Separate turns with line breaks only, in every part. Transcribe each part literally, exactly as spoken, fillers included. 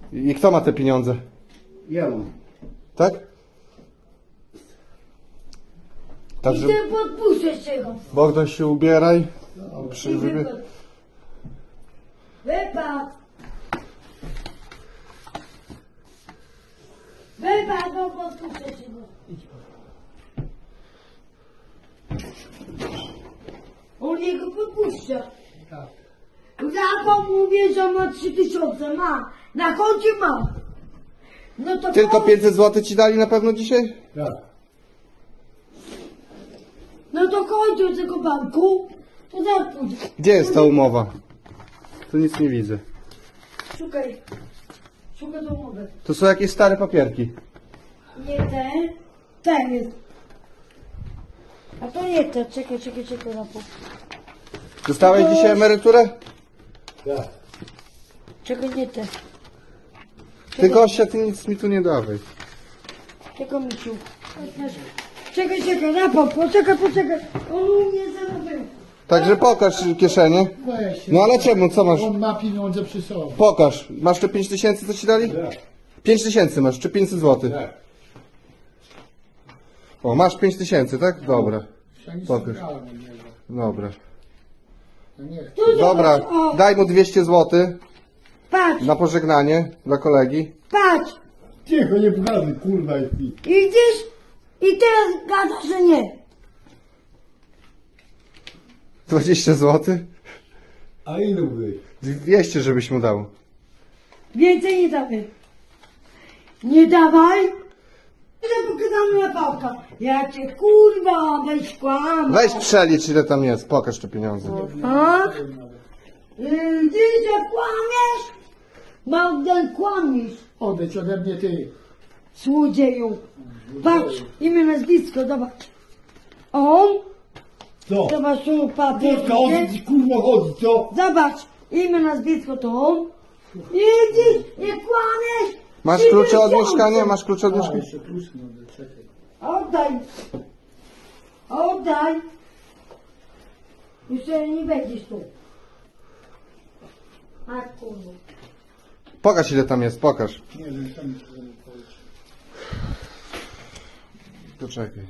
I kto ma te pieniądze?
Ja mam.
Tak?
I
Także
ty podpuszczę czego.
Bogdan się ubieraj. Przy,
I
wybie...
wypadł. Wypadł. Wypadł, bo podpuszczę czego. On jego podpuszcza.
Tak.
Ja mówię, że ma trzy tysiące, ma. Na koncie ma. No to
Tylko
koń-
pięćset złotych ci dali na pewno dzisiaj?
Tak.
No to kończę do tego banku. To zaraz pójdzie.
Gdzie jest ta umowa? Tu nic nie widzę.
Szukaj. Szukaj tą umowę.
To są jakieś stare papierki.
Nie ten. Ten jest. A to nie ten. Czekaj, czekaj, czekaj na pół.
Dostałeś
To-
dzisiaj emeryturę?
Tak.
Czekaj, nie ten.
Ty gościa, ty nic mi tu nie dawaj.
Czekaj, Miciu. Czekaj, czekaj, na pół. Poczekaj, poczekaj. On u mnie zarobił.
Także pokaż kieszenie.
Weź.
No ale czemu, co masz?
On ma pieniądze przy sobie.
Pokaż. Masz te pięć tysięcy, co ci dali?
Tak.
pięć tysięcy masz, czy pięćset złotych?
Tak.
O, masz pięć tysięcy, tak? Dobra.
Ja nic
Pokaż.
nie brałem od niego.
Dobra.
No nie.
Tu zobacz,
Dobra,
o,
daj mu dwieście złotych
patrz,
na pożegnanie dla kolegi.
patrz.
Cicho, nie pokazuj, kurwa i pi.
I widzisz? I teraz gada, że nie.
dwadzieścia złotych?
A ile byłeś?
dwieście, żebyś mu dał.
Więcej nie dawaj. Nie dawaj. To pokazamy na pałka. Ja cię kurwa, weź kłam.
Weź przelicz, ile tam jest, pokaż te pieniądze.
A? Yy, Ty że kłamiesz? Bogdan, kłamiesz.
Odejdź ode mnie ty.
Złodzieju. Patrz, imię, nazwisko, zobacz. On,
Co?
zobacz tu papier.
Polska, o co ci kurwa chodzi, co?
Zobacz, imię, nazwisko to on. Widzisz, nie kłamiesz.
Masz
Trzy
klucze od
miesiące.
mieszkania? Masz klucze od
A,
mieszkania?
jeszcze klucz nie oddaj, czekaj.
Oddaj. Oddaj. Już nie będziesz tu. A kurwa.
Pokaż, ile tam jest, pokaż.
Nie wiem, sam ci to nie powiedzieć.
Poczekaj.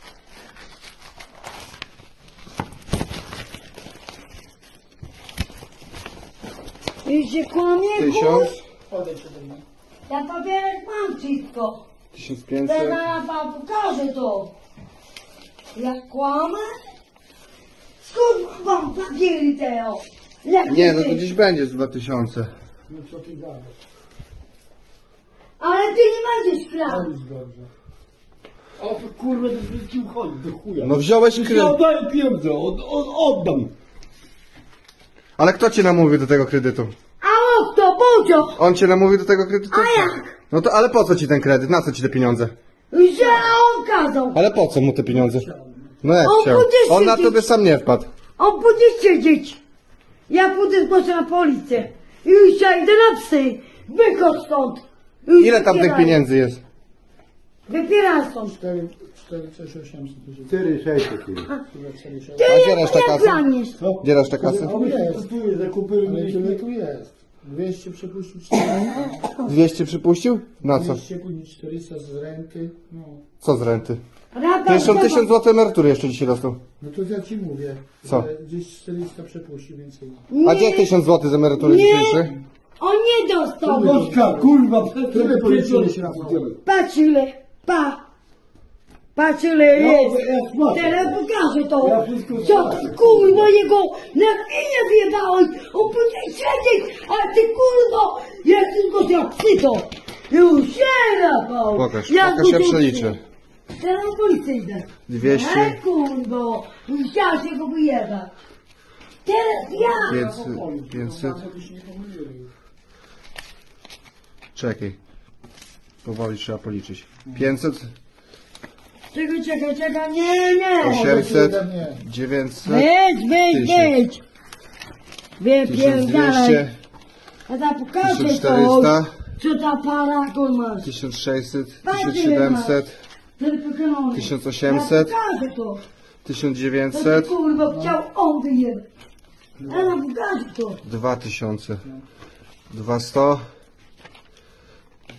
I się kłamie,
Tysiąc,
Odejdź ode mnie.
Ja papierek mam wszystko.
tysiąc
Teraz
pięćset.
ja wam pokażę to. Jak kłamę? Skąd wam papiery te o? Jak
Nie, no
ty?
to gdzieś będzie z dwa tysiące.
No co ty gadasz?
Ale ty nie będziesz
To
kradł.
jest dobrze. O to kurwa, to wszystkim chodzi, do chuja.
No wziąłeś
Ja
kredyt.
oddaję pieniądze, od, od, oddam.
Ale kto cię namówił do tego kredytu?
A o kto, Bodzio?
On cię namówił do tego kredytu?
A jak?
No to, ale po co ci ten kredyt? Na co ci te pieniądze?
Że on kazał.
Ale po co mu te pieniądze? No jak
On
chciał?
będzie
On na
siedzieć.
tobie sam nie wpadł.
On będzie siedzieć. Ja pójdę zgłoszę na policję. I już ja idę na psy. Wychodź stąd. Już
Ile tam tych
wypieraj.
pieniędzy jest?
Wypieraj stąd.
cztery, cztery, sześć, osiemset. cztery, sześćset. Chyba cztery, sześć.
Ty
A gdzie
jak,
reszta
jak
kasy?
planisz?
Gdzie reszta kasy?
Tu jest, tu jest, zakupy ale tyle tu jest. dwieście przepuścił czterysta.
dwieście przypuścił? Na co?
dwieście później czterysta z renty. No.
Co z renty?
Rada,
To jeszcze on
zobacz.
tysiąc złotych emerytury jeszcze dzisiaj dostał.
No to ja ci mówię.
Co?
że Gdzieś czterysta przepuścił więcej.
A
Nie,
gdzie tysiąc złotych z emerytury
Nie.
dzisiejszy?
On nie dostał.
Bożka, kurwa, tyle policzyłeś raz.
Patrz ile. Pa. Patrz ile
No,
jest.
ja smaczę.
Teraz pokażę to.
Ja wszystko
Co
smaczę.
ty kurwa jego na chwilę wjebałeś. On będzie siedzieć. A ty kurwa. Ja tylko za psy to. Już się Rafał.
Pokaż,
Ja
pokaż, ja
tu-
przeliczę.
Teraz na policję idę.
dwieście.
E kurwa. Musiała się go wyjebać. Teraz ja.
pięćset, pięćset. Czekaj. Powoli trzeba policzyć. pięćset,
Czekaj, czekaj, czekaj. Nie, nie.
osiemset, dziewięćset,
Wejdź, wejdź,
tysiąc.
wejdź.
tysiąc
Wypierdalaj.
dwieście,
A ta pokażę
tysiąc
to.
czterysta,
Co ta paragon masz?
tysiąc sześćset,
Patrz,
tysiąc
ile
siedemset,
Tylko
tysiąc osiemset,
Ja pokażę to.
tysiąc
To
dziewięćset,
ty, kurwa chciał on wyjebać. Ja nam pokażę to.
dwa tysiące, dwa sto,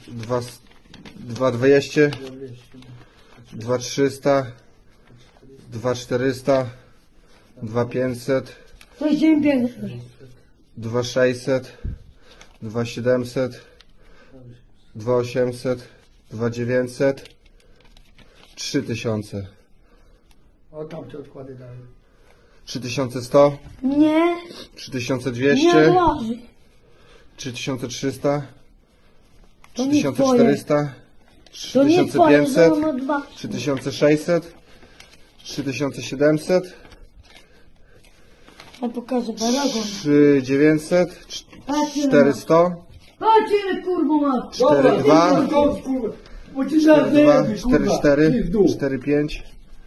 dwa, dwa dwieście, dwa trzysta, dwa czterysta, dwa pięćset,
To jest dzień piękny.
dwa sześćset, dwa siedemset, dwa osiemset, dwa dziewięćset, trzy tysiące,
O, tam te odkłady dały.
trzy tysiące sto,
Nie,
trzy tysiące
nie
dwieście,
odłoży.
trzy tysiące trzysta,
To
trzy
nie
tysiące
twoje.
czterysta, trzy
To nie
tysiące
twoje,
pięćset,
że ono dwa.
trzy tysiące sześćset, trzy tysiące siedemset,
Ja pokażę paragon.
trzy tysiące dziewięćset,
Patrz ile
czterysta,
Patrz ile kurwa masz.
cztery dwa,
Bo ci
cztery
zaraz
dwa,
zajebie,
cztery
kurwa.
cztery,
I w dół.
cztery pięć,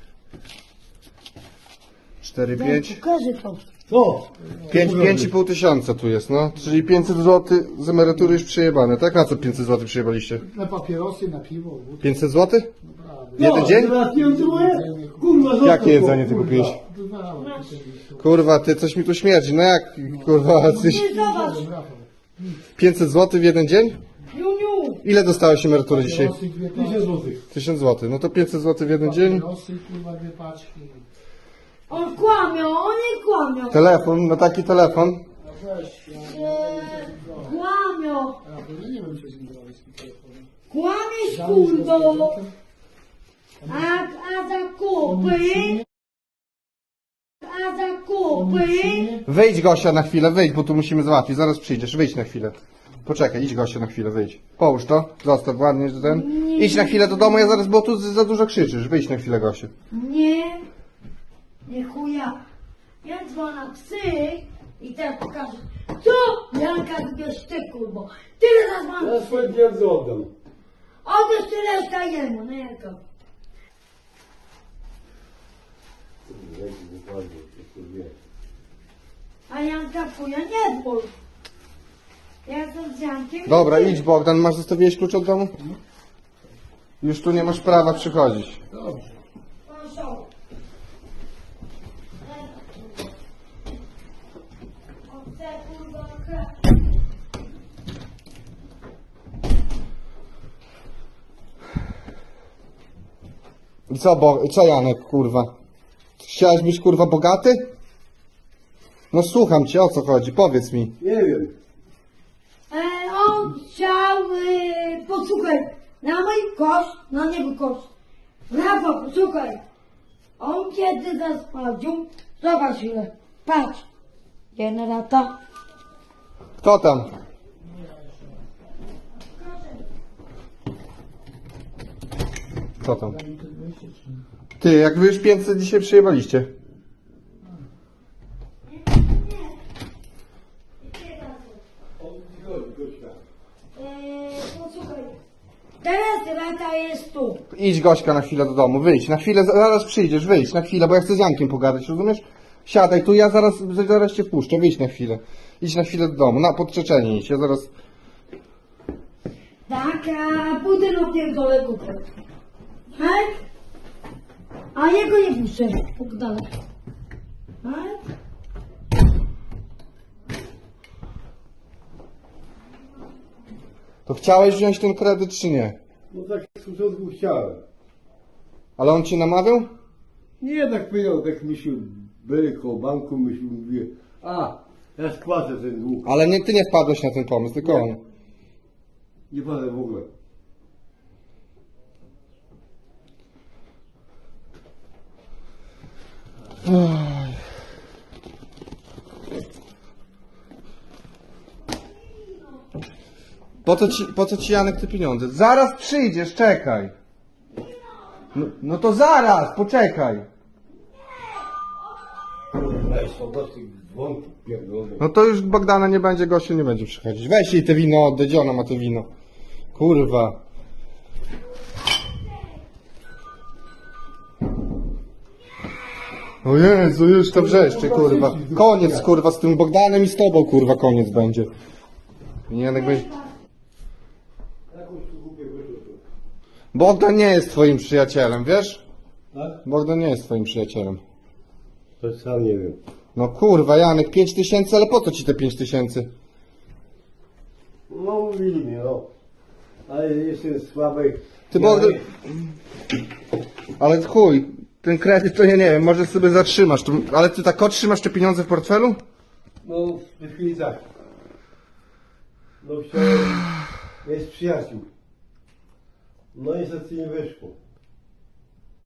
cztery
Ja
pięć,
pokażę to.
Co?
pięć, pięć i pół tysiąca tu jest, no. Czyli pięćset złotych z emerytury już przejebane, tak? Na co pięćset złotych przejebaliście?
Na papierosy, na piwo. wódkę.
pięćset złotych?
Naprawdę.
W jeden dzień?
Teraz nie odzymuję? Kurwa, zostaw
Jakie
to,
jedzenie ty
kurwa.
kupiłeś?
Bywało tutaj.
Kurwa, ty, coś mi tu śmierdzi, no jak, kurwa, coś...
Ty zobacz.
Rafał.
pięćset złotych w jeden dzień?
Juniu.
Ile dostałeś emerytury dzisiaj?
Papierosy, dwie
tysiąc
paczki.
złotych.
tysiąc złotych, no to pięćset złotych w jeden dzień.
Papierosy, kurwa, dwie paczki.
On kłamie, on nie kłamie.
Telefon, no taki telefon.
No weź, ja
Eee, Kłamią.
Rafał, ja nie wiem, co z nim zrobić z tym telefonem.
Kłamiesz
Dałeś go z
kurwo.
prezentem?
A, a zakupy. A zakupy.
Wyjdź Gosia na chwilę, wyjdź, bo tu musimy załatwić, zaraz przyjdziesz, wyjdź na chwilę. Poczekaj, idź Gosia na chwilę, wyjdź. Połóż to, zostaw ładnie że ten. Idź na chwilę do domu, ja zaraz, bo tu za dużo krzyczysz, wyjdź na chwilę Gosiu.
Nie. Nie chuja. Ja dzwonię psy i teraz pokażę. Co? Janka zbierz ty kurwo. Tyle zadzwonię.
Ja swoje pieniądze oddam.
Odbierz tyle reszta jemu, no Janka. A Janka chuja nie ból. Ja jestem z Jankiem.
Dobra, idź Bogdan, masz zostawiłeś klucz od domu? Już tu nie masz prawa przychodzić.
Dobrze.
Proszę. Chcę kurwa krew.
I co, bo, co Janek, kurwa? Chciałeś być kurwa bogaty? No słucham cię, o co chodzi, powiedz mi.
Nie wiem.
E, on chciał, e, posłuchaj, na mój koszt, na niego koszt. Rafał, posłuchaj. On kiedy zasprawdził, zobacz ile, patrz. Generata.
Kto tam? Kto tam? Ty, jak wy już pięćset dzisiaj przyjebaliście?
E, posłuchaj. Teraz rata jest tu.
Idź Gośka na chwilę do domu, wyjdź, na chwilę, zaraz przyjdziesz, wyjdź, na chwilę, bo ja chcę z Jankiem pogadać, rozumiesz? Siadaj tu, ja zaraz, zaraz cię wpuszczę, wyjdź na chwilę. Idź na chwilę do domu, na podczeczenie idź, ja zaraz...
Tak, a pójdę na pierdolę kupę. Tak? A jego nie puszczę. Pół dalej. Tak?
To chciałeś wziąć ten kredyt, czy nie?
No tak z początku chciałem.
Ale on cię namawiał?
Nie tak powiedział, tak myślał, byli koło banku, myślał, mówię, a, ja spłacę ten dług.
Ale nie, ty nie wpadłeś na ten pomysł, tylko on.
Nie padłem w ogóle.
Po co ci, po co ci Janek te pieniądze? Zaraz przyjdziesz, czekaj. No, no to zaraz, poczekaj.
Weź, zobaczcie, dzwonki pierdolone.
No to już Bogdana nie będzie, gościu nie będzie przychodzić. Weź jej te wino oddaj, gdzie ona ma te wino? Kurwa. O Jezu, już to wrzeszczy, kurwa. Koniec, kurwa, z tym Bogdanem i z tobą, kurwa, koniec będzie. Janek będzie...
Jakąś tu kupię wyrzutu.
Bogdan nie jest twoim przyjacielem, wiesz?
Tak?
Bogdan nie jest twoim przyjacielem.
To sam nie wiem.
No kurwa, Janek, pięć tysięcy, ale po co ci te pięć tysięcy?
No mówili mi, no. ale jestem słaby.
Ty bo...
Ja-
Ale chuj, ten kredyt to ja nie wiem, może sobie zatrzymasz. To... Ale ty tak trzymasz te pieniądze w portfelu?
No, w tej chwili tak. No chciałem, jest przyjaciół. No niestety nie wyszło.